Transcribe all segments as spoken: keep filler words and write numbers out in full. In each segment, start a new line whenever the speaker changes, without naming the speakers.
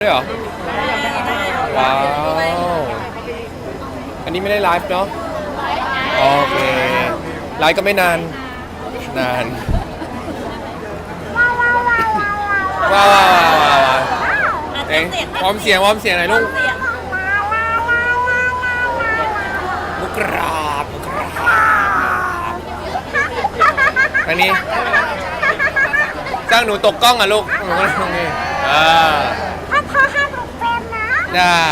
ด้วยเหรอว้าวอันนี้ไม่ได้ไลฟ์เนาะโอเคไลฟ์ก็ไม่นานนานว้าวว้าวว้าวว้าวเอ๊ะพร้อมเสียงพร้อมเสียงหน่อยลูกมุกราบมุกราบอันนี้จ้างหนูตกกล้องอ่ะลูกหนูก็ตรงนี้อ่าได้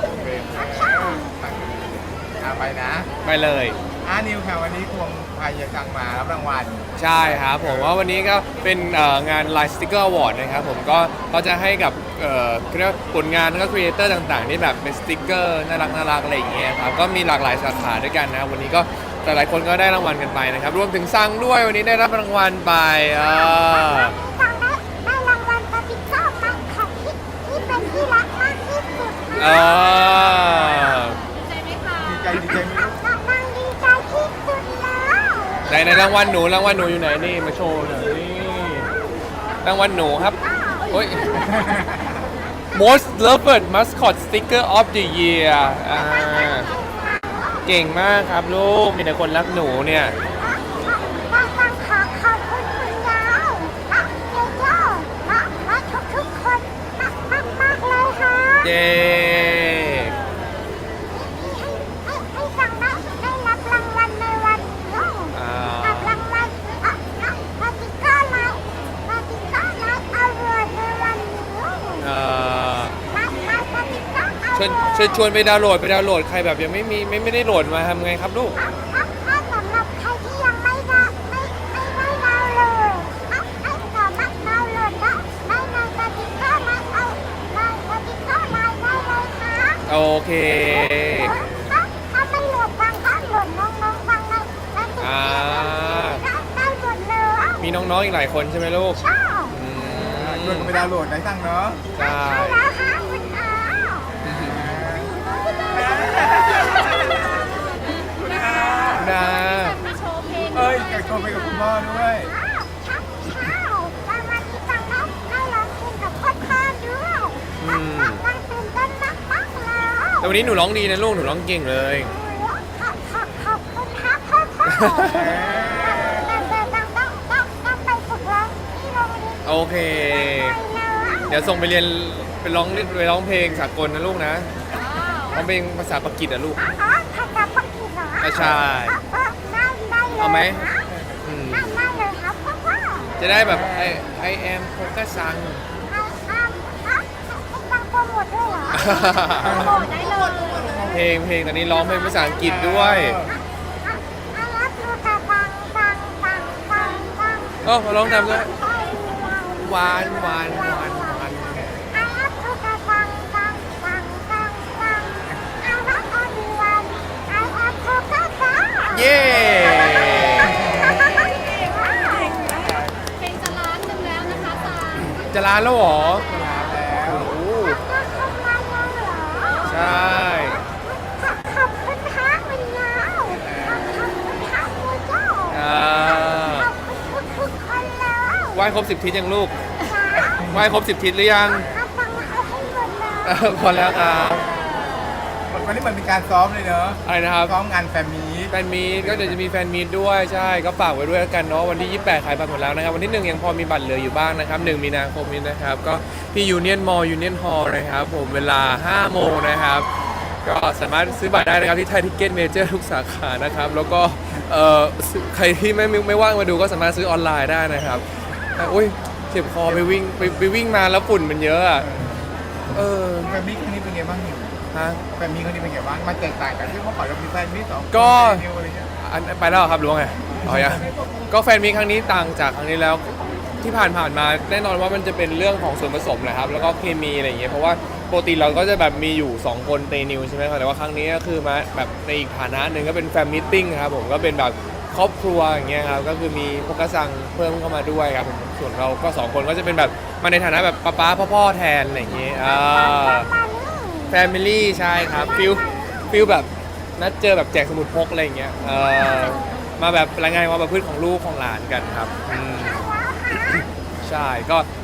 ไปนะ
ไปเลย
อานิวค่ะวันนี้ควงพายกังมารับรางวัล
ใช่ครับผมว่าวันนี้ก็เป็นงาน Line Sticker Award นะครับผมก็เขาจะให้กับเรียกผลงานแล้วก็ครีเอเตอร์ต่างๆที่แบบเป็นสติ๊กเกอร์น่ารักน่ารักอะไรอย่างเงี้ยครับก็มีหลากหลายสาขาด้วยกันนะวันนี้ก็แต่หลายคนก็ได้รางวัลกันไปนะครับรวมถึงซังด้วยวันนี้ได้รับรางวัลไปอ่า
ได้รางวัลสติ๊กเกอร์มันของที่ที่เป็นที่รักมากที่สุด
อ่า
ดีใจดีใจไหมลูก
กำลังดีใจที่สุดแล้ว
ไหนในรางวัลหนูรางวัลหนูอยู่ไหนนี่มาโชว์หน่อยนี่รางวัลหนูครับโอ้ย Most Loved Mascot Sticker of the Year อ่าเก่งมากครับลูกมีแต่คนรักหนูเนี่ย
ต้องต้องขอขอบคุณคุณยายและเจโจ้และและทุกทุกคนมากมากมากเลยค่ะ
เย้
ให้ให้ฟังได้ได้รับรางวัลในวันนี้รับรางวัลอ่ะอ่ะสติ๊กเกอร์ไลน์สติ๊กเกอร์ไลน์อวอร์ดในวันนี้
อ่า
รับรับสติ๊กเกอร์อวอร์ด
ชวนชวนชวนไปดาวน์โหลดไปดาวน์โหลดใครแบบยังไม่มีไม่ไม่ได้โหลดมาทำไงครับลูก
ถ้าสำหรับใครที่ยังไม่ได้ไม่ไม่ได้ดาวน์โหลดให้ให้สามารถดาวน์โหลดได้ได้ในสติ๊กเกอร์ไลน์เอาในสติ๊กเกอร์ไลน์ได้เลยค่ะ
โอเค
ถ้าถ้าไม่โหลดฟังก็โหลดน้องๆฟังในในสติ๊กเกอร์ได้ได้หมดเลย
มีน้องๆอีกหลายคนใช่ไหมลูก
ใช่
ชวนไปดาวน์โหลดได้สั่งเนาะ
ใช่
แล้วค่ะคุณอา
นะ
เอ้ยอยากโทรไปกับคุณพ่อด้วย
ใช่ใช่วันวันนี้ฟังได้ได้ร้องเพลงกับพ่อพ่อด้วยฟังตื่นเต้นมากมากเลย
แต่วันนี้หนูร้องดีนะลูกหนูร้องเก่งเลย
ขอบขอบขอบคุณครับพ่อพ่อแต่ต้องต้องต้องต้องไปฝึกร้องที่โรงเรียน
โอเคเดี๋ยวส่งไปเรียนไปร้องไปร้องเพลงสากลนะลูกนะร้องเพลงภาษาปากีสถานนะลูก
อ๋อภาษาปากีสถาน
ใช่
ได้ได้เลย
เอาไหม
ได้ได้เลยครับพ่อพ่อ
จะได้แบบไอไอแอมโฟกัสซัง
ไอแอมฮะฟังโปรโมทด้วยเหรอโปรโมทได้เลย
เพลงเพลงตอนนี้ร้องเพลงภาษาอังกฤษด้วย
อารัตลูกาฟังฟังฟังฟังฟัง
โอ้ร้องทำด้วยหวานหวานหวานหวาน
อารัตลูกาฟังฟังฟังฟังฟังอารัตออดิวันไอแอมโฟกัสซัง
เย้
เพลงจะล้านหนึ่งแล้วนะคะซา
จะล้านแล้วเหรอ
แล้ว
โอ้ใช่
ขอบคุณพระวิญญาณขอบคุณพระมูโจ้
อ่า
ขอบคุณทุกคนแล้ว
ไหว้ครบสิบทิศยังลูกไหว้ครบสิบทิศหรือยัง
ฟังเอาให้หมดเลย
พอแล้วครับ
วันนี้มันเป็นการซ้อมเลยเนอะ
อะไรนะครับ
ซ้อมงานแฟนมีต
แฟนมีตก็เดี๋ยวจะมีแฟนมีตด้วยใช่ก็ฝากไว้ด้วยกันเนาะวันที่ยี่สิบแปดขายบัตรหมดแล้วนะครับวันที่หนึ่งยังพอมีบัตรเหลืออยู่บ้างนะครับหนึ่งมีนาคมนี้นะครับก็ที่ยูเนียนมอลล์ยูเนียนฮอลล์นะครับผมเวลาห้าโมงนะครับก็สามารถซื้อบัตรได้นะครับที่ไทยทิกเก็ตเมเจอร์ทุกสาขานะครับแล้วก็เอ่อใครที่ไม่ไม่ว่างมาดูก็สามารถซื้อออนไลน์ได้นะครับอุ้ยเจ็บคอไปวิ่งไปไปวิ่งมาแล้วฝุ่นมันเยอะอ่ะเออ
แฟนมีตครั้งนี้เป็นไงบ้าง
ฮะ
แฟนมีตครั้งนี้เป็นไงบ้างมันแตกต่างกันที่เมื่อก่อนเรามีแฟนมีตสอง
ก็อันไปแล้วครับรู้ไงอ๋อยังก็แฟนมีตครั้งนี้ต่างจากครั้งนี้แล้วที่ผ่านผ่านมาแน่นอนว่ามันจะเป็นเรื่องของส่วนผสมนะครับแล้วก็เคมีอะไรอย่างเงี้ยเพราะว่าปกติเราก็จะแบบมีอยู่สองคนเตนิวใช่ไหมครับแต่ว่าครั้งนี้ก็คือมาแบบในอีกฐานะหนึ่งก็เป็นแฟนมีตติ้งครับผมก็เป็นแบบครอบครัวอย่างเงี้ยครับก็คือมีพวกกระซังเพิ่มเข้ามาด้วยครับผมส่วนเราก็สองคนก็จะเป็นแบบมาในฐานะแบบป้าป้าพ่อพ่อแทนอะไรอย่างเงี้ยอ่าแฟมิลี่ใช่ครับฟิลฟิลแบบนัดเจอแบบแจกสมุดพกอะไรอย่างเงี้ยเออมาแบบรายงานความประพฤติของลูกของหลานกันครับอืมใช่ก็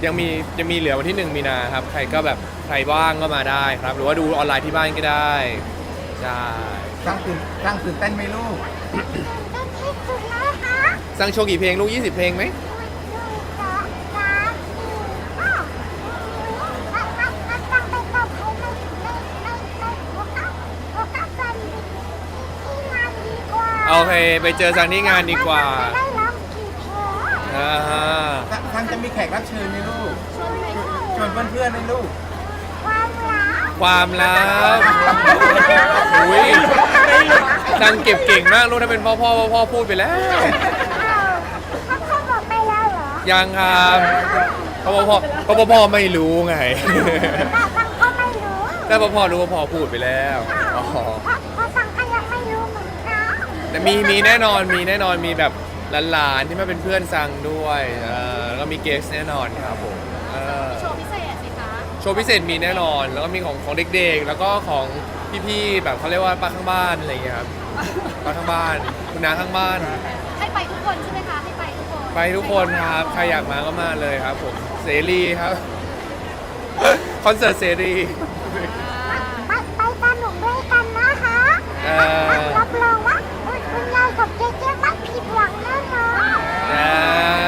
ยังมียังมีเหลือวันที่หนึ่งมีนาครับใครก็แบบใครว่างก็มาได้ครับ หรือว่าดูออนไลน์ที่บ้านก็ได้ใช่
สร้างตื่นสร้างตื่นเต้นไหมลูก
เป็นที่สุดเลยค่ะ
สร้างโชว์กี่เพลงลูกยี่สิบเพลงไหม
หนึ่งสองสามสี่ห้าแล้วแล้วแล้วต้องไปกับใครในในในในโอกาสโอกาสกันที่งานดีกว่า
โอเคไปเจอซังที่งานดีกว่า
จะได้ร้องกี่เพลง
อ่าฮะ
ทางจะมีแขกรับเชิญไหมลูก
ช่วยด้วย
ชวนเพื่อนๆไหมลูก
ความรัก
ความลับอุ้ยซังเก็บเก่งมากลูกถ้าเป็นพ่อพ่อพ่อพ่อพูดไปแล้ว
อ้าวเขาเขาบอกไปแล้วเหรอ
ยังครับเพราะว่าพ่อเพราะว่าพ่อไม่รู้ไง
แต่ฟังก็ไม่รู้
แต่พอพ่อรู้ว่าพ่อพูดไปแล้วอ๋อ
เพราะเพราะฟังก็ยังไม่รู้เหมือนกัน
แต่มีมีแน่นอนมีแน่นอนมีแบบหลานๆที่มาเป็นเพื่อนซังด้วยเออแล้วก็มีเกสแน่นอนครับผมเออ
โชว์พิเศษสิคะ
โชว์พิเศษมีแน่นอน แล้วก็มีของของเด็กๆ แล้วก็ของพี่ๆแบบเขาเรียกว่าป้าข้างบ้านอะไรอย่างเงี้ยครับป้าข้างบ้านคุณน้าข้างบ้าน
ให้ไปทุกคนใช่ไหมคะให้ไปทุกคน
ไปทุกคนครับใครอยากมาก็มาเลยครับผมเสรีครับ คอนเสิร์ตเสรี
ไปไปสนุกด้วยกันนะคะ
เออ
รับรองว่าคุณคุณยายกับเจ๊เจ๊ไม่ผิดหวังแน่นอน
อ่า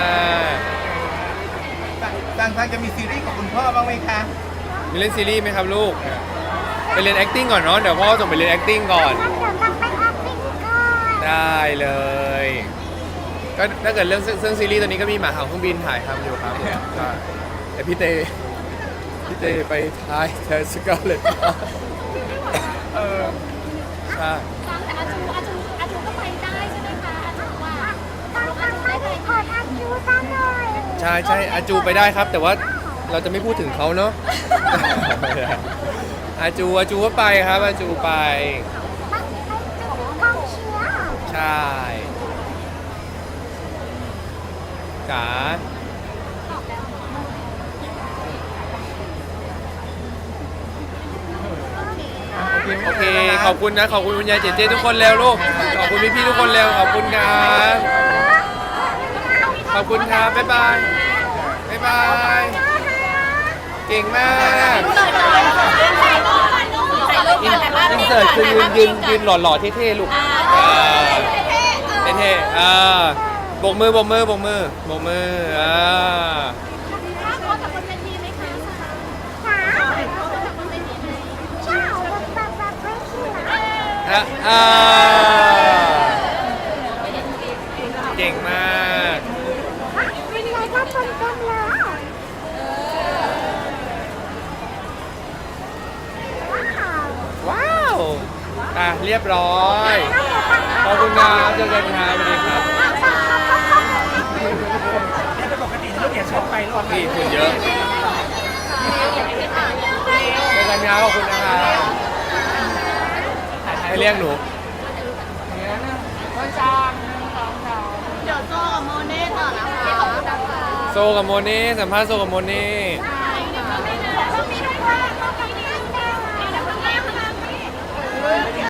สร้างสร้างจะมีซีรีส์กับคุณพ่อบ้างไหมคะ
มีเล่นซีรีส์ไหมครับลูกไปเรียน acting ก่อนเนาะเดี๋ยวพ่อส่งไปเรียน acting ก่อน
งั้นเดี๋ยวต้องไปออฟฟิศก่อน
ได้เลยก็ถ้าเกิดเรื่องเรื่องซีรีส์ตอนนี้ก็มีหมาเห่าเครื่องบินถ่ายทำอยู่ครับผมใช่แต่พี่เตพี่เตไปถ่ายเธอสกาเลต
เออ
ใช่
ฟังแต่อาจูอาจูอาจูก็ไปได้ใช่ไหมคะอาจูว่า
ต้องต้องไปไปกดอาจูซะหน่อย
ใช่ใช่อาจูไปได้ครับ แต่ว่าเราจะไม่พูดถึงเขาเนาะ อาจูอาจูก็ไปครับอาจูไป
ไปไปจะเป็นกองเชียร์
ใช่จ๋า
ตอบแล้ว
โอเคขอบคุณนะขอบคุณคุณยายเจเจทุกคนแล้วลูกขอบคุณพี่ๆทุกคนแล้วขอบคุณครับขอบคุณครับบ๊ายบายบ๊ายบายเก่งมาก อินเสิร์ตคือยืนยืนยืนหล่อๆเท่ๆลูกเออเท่ๆอ่าโบกมือโบกมือโบกมือโบกมืออ่า
ถ้าเขากับบนเวทีไหมคะ
สา
เขากับบนเวทีไหม
เจ้าแบบแบบแบบไม่เชื่อ
อ่ะอ่าเก่งมาก
คุณยายก็เต็มเต็มเลยว้าว
ว้าวอ่ะเรียบร้อยขอบคุณครับเจอกันครับสวัสดีครับพี่คุณเยอะเจอกันครับขอบคุณนะครับให้เรียกหนู
เดี๋ยวโซ่กับโมเน่ต่อนะคะขอบคุณนะคะ
โซกับโมเน่สัมภาษณ์โซกับโมเน่
ต้องมีด้วยต้องมีด้วย